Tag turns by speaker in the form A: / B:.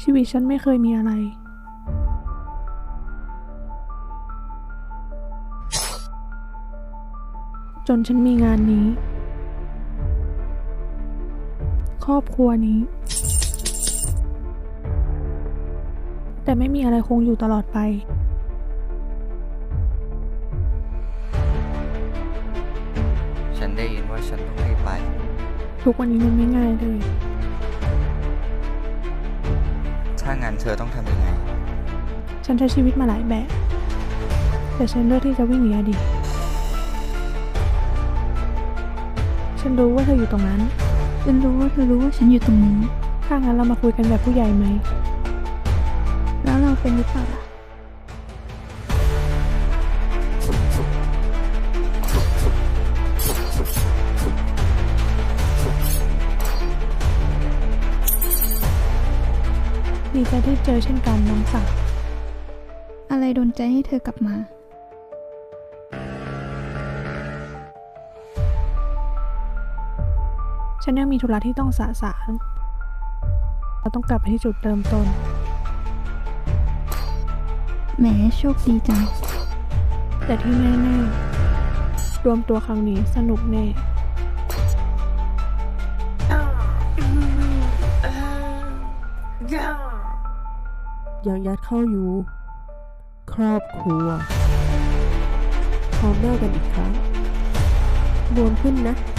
A: ชีวิตฉันไม่เคยมีอะไรจนฉันมีงานนี้ครอบครัวนี้แต่ไม่มีอะไรคงอยู่ตลอดไป
B: ฉันได้ยินว่าฉันต้องรีบไป
A: ทุกวันนี้มันไม่ง่ายเลย
B: ถ้างั้นเธอต้องทำยังไง
A: ฉันใช้ชีวิตมาหลายแบบแต่ฉันเลือกที่จะวิ่งหนีอดีตฉันรู้ว่าเธออยู่ตรงนั้น
C: ฉันรู้ว่าเธอรู้ว่าฉันอยู่ตรงนี้
A: ถ้างั้นเรามาคุยกันแบบผู้ใหญ่ไหม
C: แล้วเราเป็นหรือเปล่าล่ะ
A: ดีใจที่เจอเช่นกันน้องสาว
C: อะไรดลใจให้เธอกลับมา
A: ฉันยังมีธุระที่ต้องสะสางเราต้องกลับไปที่จุดเริ่มต้น
C: แหมโชคดีจัง
A: แต่ที่แน่ๆรวมตัวครั้งนี้สนุกแน่
D: ยังยัดเข้าอยู่ครอบครัวพร้อมหน้ากันอีกครั้งบวมขึ้นนะ